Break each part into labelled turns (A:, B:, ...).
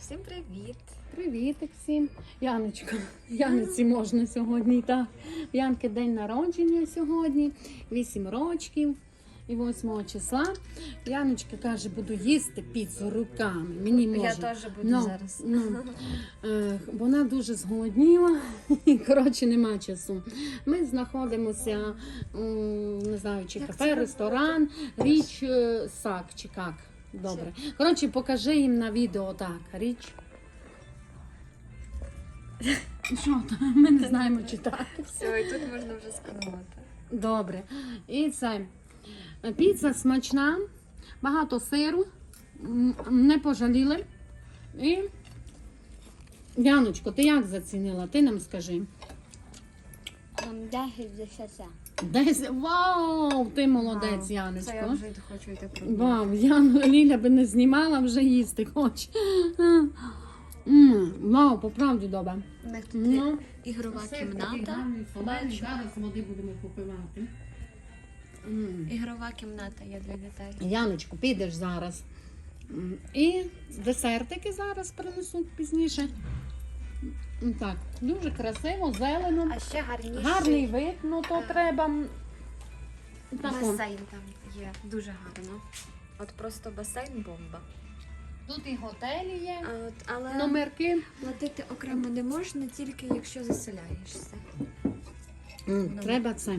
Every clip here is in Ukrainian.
A: Всім привіт!
B: Привітик всім. Яночка. Яниці можна сьогодні, так. Янки день народження сьогодні, 8 років. І 8 числа Яночка каже, буду їсти піцу руками. Мені можна.
A: Я теж буду зараз.
B: Вона дуже зголодніла і, коротше, нема часу. Ми знаходимося, не знаю, чи кафе, ресторан, річ Сак, чи як. Добре. Коротше, покажи їм на відео так, річ. Що там? Ми не знаємо читати.
A: Все, і тут можна вже сканувати.
B: Добре. І це. Піца смачна, багато сиру, не пожаліли. І, Яночко, ти як зацінила? Ти нам скажи.
C: 10 з 10.
B: 10. Вау! Ти молодець,
A: Це
B: Яночко.
A: я вже хочу йти пробувати.
B: Вау, Ліля би не знімала, вже їсти хоче. Вау, по правді добре.
A: У них тут
B: Ну,
A: ігрова кімната.
B: Бачу. Зараз води будемо попивати.
A: Ігрова кімната є для дітей.
B: Яночку, підеш зараз. І десертики зараз принесуть пізніше. Так, дуже красиво, зелено.
A: А ще гарніший
B: Гарний вид, ну то треба.
A: басейн там є. Дуже гарно. От просто басейн бомба.
B: Тут і готелі є,
A: Але
B: номерки.
A: платити окремо не можна, тільки якщо заселяєшся.
B: Треба це.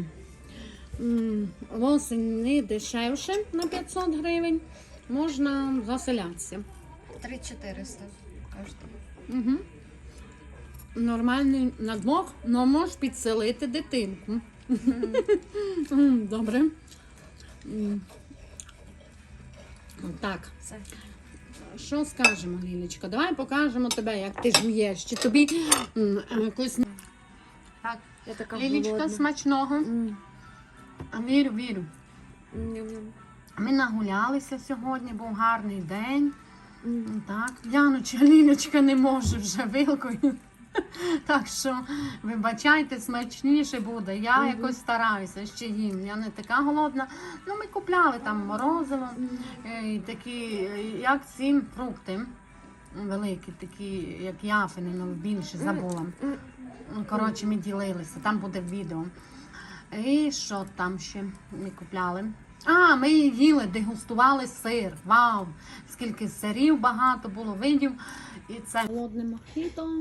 B: Восени дешевше на 500 гривень. Можна заселятися.
A: 3400 коштує.
B: Угу. Нормальний на двох, але можеш підселити дитинку. Добре. Так,
A: Все.
B: що скажемо, Лілечка? Давай покажемо тебе, як ти жуєш. Чи тобі якось... Так,
A: Я така
B: Лілечка,
A: голодна.
B: смачного. Вірю, вірю.
A: Ням-ням.
B: Ми нагулялися сьогодні, був гарний день. Так, Яночка, Лілечка не може вже вилкою. Так що, вибачайте, смачніше буде. Я якось стараюся, ще їм. Я не така голодна. Ну, ми купляли там морозиво, такі, як ці фрукти. Великі, такі, як яфини, але більше забула. Коротше, ми ділилися, там буде відео. І що там ще ми купляли? Ми їли, дегустували сир. Вау! Скільки сирів багато було, видів. І це холодне мохіто.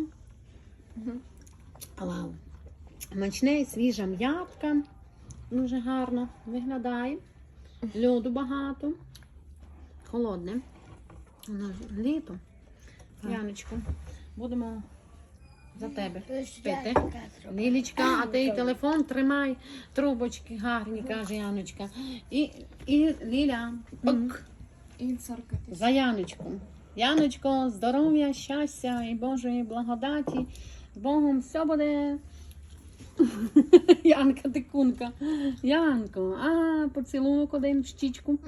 B: Вау! Смачне, свіжа м'ятка. Дуже гарно виглядає. Льоду багато. Холодне. Літо. Яночко, будемо за тебе пити. Лілічка, а ти телефон тримай, трубочки гарні, каже Яночка. І Ліля, пок,
A: І царкати.
B: за Яночку. Яночко, здоров'я, щастя і Божої благодаті. З Богом все буде. Янка, ти кунка. Янко, поцілунок один в щічку.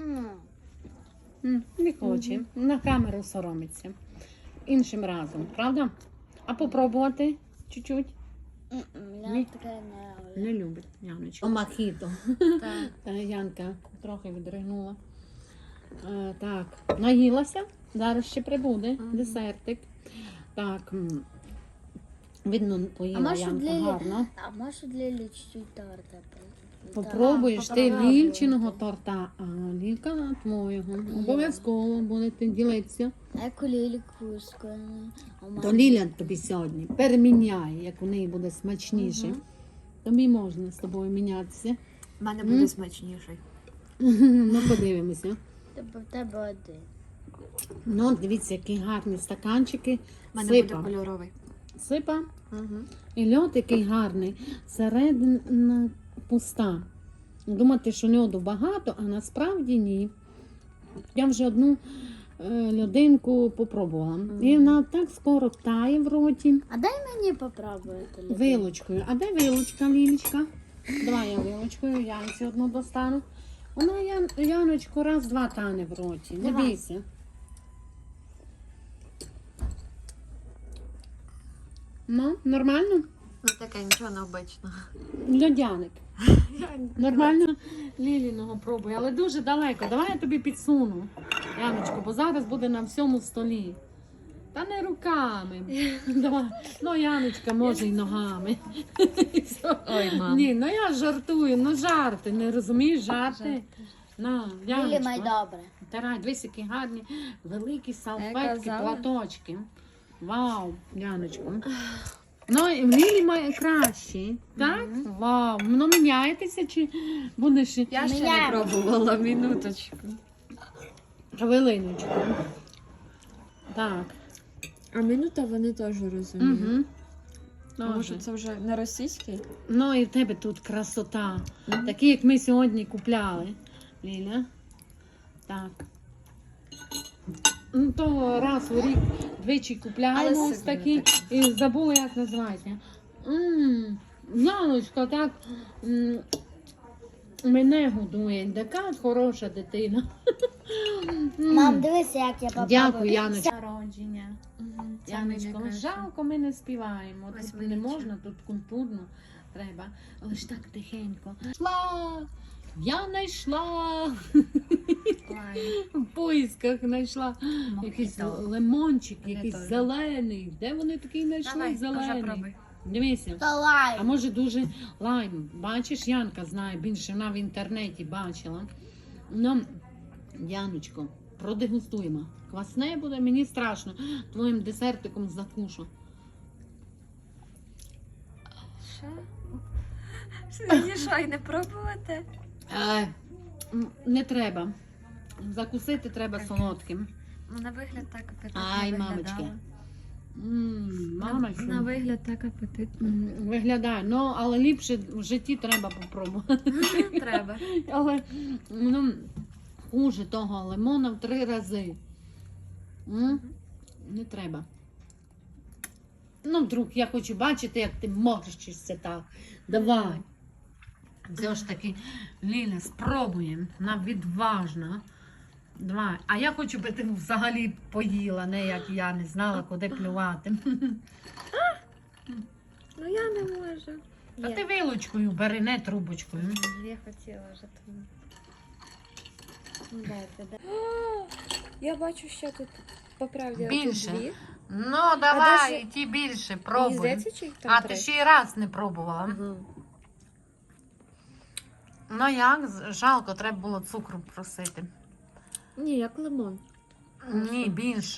B: Не хоче. На камеру соромиться. Іншим разом, правда? А попробувати чуть-чуть?
C: Я таке не
B: Не любить Яночка. Мохіто.
A: Так.
B: Янка трохи відригнула. Так, наїлася. Зараз ще прибуде десертик. Так, видно, поїла Янка гарно.
C: А може для лічі торта?
B: Попробуєш ти Лільчиного торта, а Лілька твоєго. Обов'язково будете ділитися.
C: Яку ліліку
B: То Ліля тобі сьогодні переміняє, як у неї буде смачніше. Тобі можна з тобою мінятися.
A: У мене буде смачніший.
B: Ну, подивимося.
C: В тебе один.
B: Ну, дивіться, які гарні стаканчики.
A: У мене буде
B: Сипа.
A: кольоровий.
B: Сипа. І льод який гарний. Середина пуста. Думати, що льоду багато, а насправді ні. Я вже одну льодинку попробувала. І вона так скоро тає в роті.
C: А дай мені попробувати.
B: Вилочкою. А де вилочка, Лілічка? Давай я вилочкою, Янці одну достану. Вона, Яночку, раз-два тане в роті. Не
A: Давай.
B: бійся. Ну, нормально?
A: Ну таке, нічого необичного.
B: Льодяник. Нормально Ліліного пробуй, але дуже далеко. Давай я тобі підсуну, Яночко, бо зараз буде на всьому столі. Та не руками. Давай. Ну, Яночка, може й ногами.
A: Ой, мам.
B: Ні, ну я жартую, ну жарти, не розумієш, жарти. На,
C: Лілі май
B: Яночка.
C: добре.
B: Тарай, дивись, які гарні великі салфетки,
A: казала.
B: платочки. Вау, Яночко. Ну, і в Лілі має кращий, так? Вау. Ну, міняєтеся чи будеш
A: Я ще не
C: Міняємо.
A: пробувала, минуточку.
B: хвилиночку? Так.
A: А минута вони теж розуміють.
B: Угу.
A: Може, це вже не російський?
B: Ну і в тебе тут красота. Такі, як ми сьогодні купляли. Ліля. Так. Ну, то раз у рік двічі купляємо
A: Але
B: ось
A: сильно
B: такі. І забула, як називається. Яночка, так мене годує. Така хороша дитина.
C: Мам, дивися, як я попробую.
B: Дякую, Яночка. Народження.
A: Це мені
B: Яночко,
A: краще.
B: жалко, ми не співаємо.
A: Ось
B: Тут не
A: величе.
B: можна, тут культурно треба. Але ж так тихенько. Йшла! Я знайшла! В поїсках знайшла якийсь лимончик,
A: Мене
B: якийсь
A: теж.
B: зелений. Де вони такий знайшли
A: Давай, вже
B: зелений?
A: пробуй.
B: Дивися.
C: Та лайм.
B: А може дуже лайм. Бачиш, Янка знає більше, вона в інтернеті бачила. Ну, Яночко, продегустуємо. Квасне буде, мені страшно. Твоїм десертиком закушу.
A: Що? Що, і не пробувати?
B: Не треба. Закусити треба солодким.
A: Ну, на вигляд так апетитно
B: Ай,
A: виглядало.
B: мамочки. Мамочка.
A: На вигляд так апетитно.
B: Виглядає. Ну, але ліпше в житті треба попробувати.
A: Треба.
B: Але ну, хуже того лимона в 3 рази. Не треба. Ну, вдруг я хочу бачити, як ти морщишся так. Давай. Все ж таки, Ліля, спробуємо. Вона відважна. Давай. А я хочу, би ти взагалі поїла, не як я не знала, куди плювати.
A: Ну я не можу.
B: А ти вилочкою бери, не трубочкою.
A: Я хотіла вже тому. Дайте, да. Я бачу, що тут по правді
B: Більше.
A: тут 2.
B: Ну, давай,
A: даже-
B: і ті більше,
A: Мені
B: пробуй.
A: здається, чи їх там
B: А
A: 3?
B: ти ще й раз не пробувала.
A: Ага.
B: Ну як, жалко, треба було цукру просити.
A: Ні, як лимон.
B: Ні, більш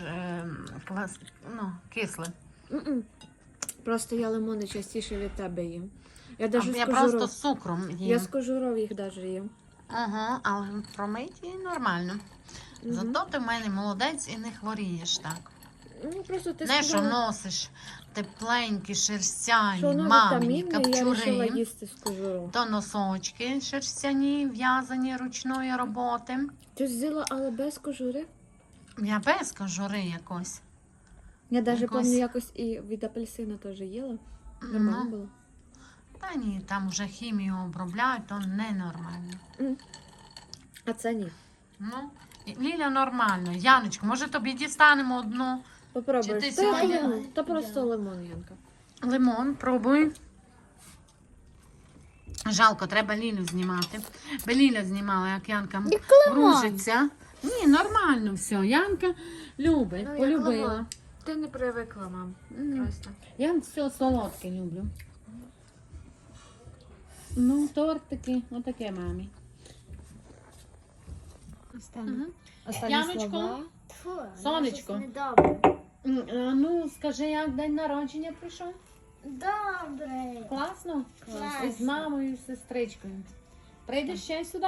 B: кисле.
A: М-м. Просто я лимони частіше від тебе їм. Я
B: А
A: навіть
B: я
A: з
B: просто
A: кожуров.
B: з цукром їм.
A: Я з кожуров їх навіть їм.
B: Ага, але промиті нормально.
A: Мгм.
B: Зато ти в мене молодець і не хворієш так.
A: Ну, просто ти
B: Не, що
A: сказала,
B: носиш тепленькі, шерстяні,
A: що воно
B: мамині
A: вітамінне, і я вирішила
B: капчури,
A: їсти з кожуров.
B: то носочки шерстяні, в'язані ручної роботи.
A: Ти взяла, але без кожури?
B: Я без кожури якось.
A: Я навіть
B: Якось-
A: пам'ятаю, якось і від апельсина теж їла. Нормально
B: Ну,
A: було.
B: та ні, там вже хімію обробляють, то ненормально.
A: А це ні.
B: Ну, Ліля нормально. Яночко, може тобі дістанемо одну
A: Попробуй.
B: Чи ти
A: Та
B: сьогодні-
A: лимон. Та просто лимон, Янка.
B: лимон, пробуй. Жалко, треба Лілю знімати. Бо Ліля знімала, як Янка грузиться. Ні, нормально все. Янка любить,
A: Ну, як
B: полюбила.
A: лимон. Ти не привикла, мам. Просто.
B: Я все солодке люблю. Ну, тортики, отаке мамі.
A: Останні,
B: Яночко?
A: слова.
C: Тьфу,
B: Сонечко.
C: щось недобре.
B: Ну, скажи, як день народження прийшов?
C: Добре.
B: Класно?
C: Класно.
B: З мамою і сестричкою. Прийдеш ще сюди?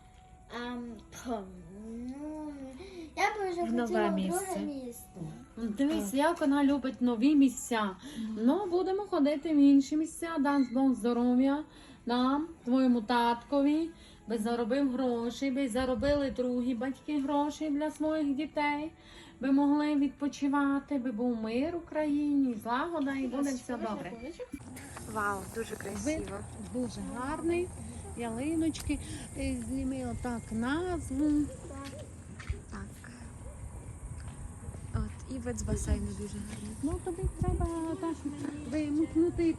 C: Ну, я б вже
A: В нове
C: хотіла в
A: місце.
C: друге місце.
B: Дивись, як вона любить нові місця. Ну, будемо ходити в інші місця, дасть Бог здоров'я нам, твоєму таткові, би заробив гроші, би заробили другі батьки гроші для своїх дітей, би могли відпочивати, би був мир в країні, злагода і буде все добре.
A: Вау, дуже красиво.
B: Дуже гарний, ялиночки, зніми отак назву.
A: Так. От, і вид з басейну дуже гарний.
B: Ну, тобі треба так вимкнути.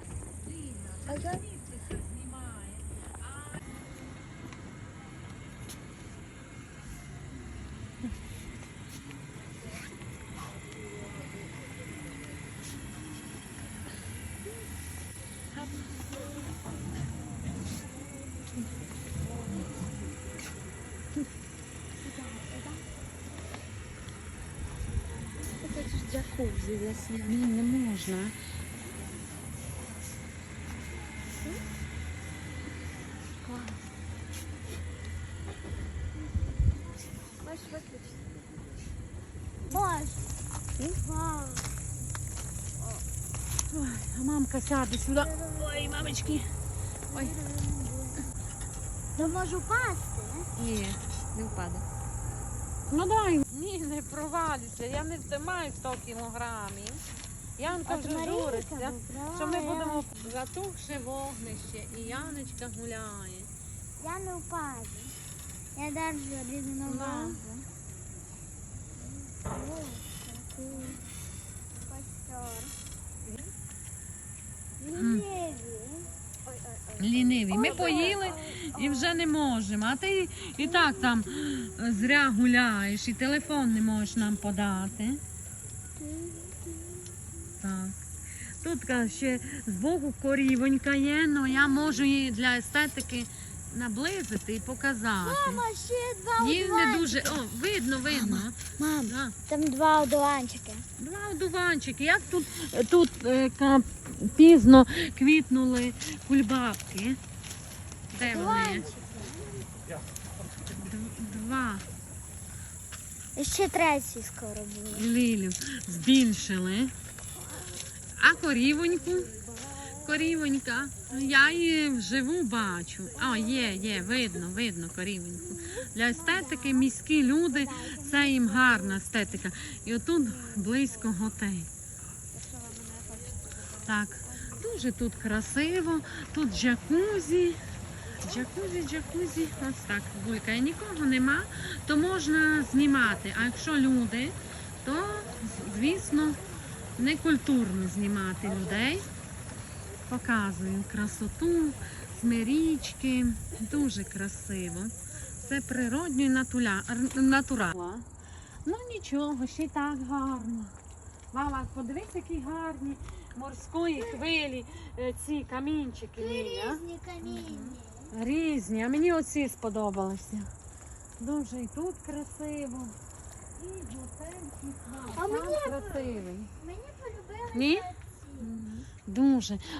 A: джакузі для
B: Ні, не можна.
A: Можеш виключити.
C: Можеш. Вау.
B: Ой, а мамка сяде сюди. Ой, мамочки. Ой.
C: Я можу пасти.
A: Ні, не впаде.
B: Ну дай. Ні, не провалюся. Я не втримаю 100 кілограмів. Янка
C: От
B: вже
C: Марійка
B: журиться,
C: вибрала.
B: що ми будемо затухше вогнище і Яночка гуляє.
C: Я не впаду. Я держу рівновагу. О, такий костер. Ліниві.
B: Ліниві. Ми поїли і вже не можемо. А ти і так там зря гуляєш, і телефон не можеш нам подати. Так. Тут ще збоку корівонька є, але я можу її для естетики наблизити і показати.
C: Мама, ще два
B: Їй не дуже. О, видно.
C: Мам,
B: Да.
C: там два одуванчики.
B: Два одуванчики. Як тут пізно квітнули кульбабки. Де вони? Два.
C: І ще третій скоро буде.
B: Лілю збільшили. А корівонька, я її вживу бачу. А, є, видно корівоньку. Для естетики міські люди, це їм гарна естетика. І отут близько готель. Так, дуже тут красиво, тут джакузі. Джакузі, ось так булькає. Нікого нема, то можна знімати. А якщо люди, то, звісно, не культурно знімати людей. Показую красоту, річки, дуже красиво. Це природньо і натурально. Ну нічого, ще й так гарно. Вава, подивись, які гарні морської хвилі, ці камінчики. Ліля.
C: Різні камінні.
B: Різні, а мені оці сподобалися. Дуже і тут красиво. І готель,
C: А мені
B: красивий.
C: Мені полюбилися
B: Ні?
C: ці.
B: Дуже.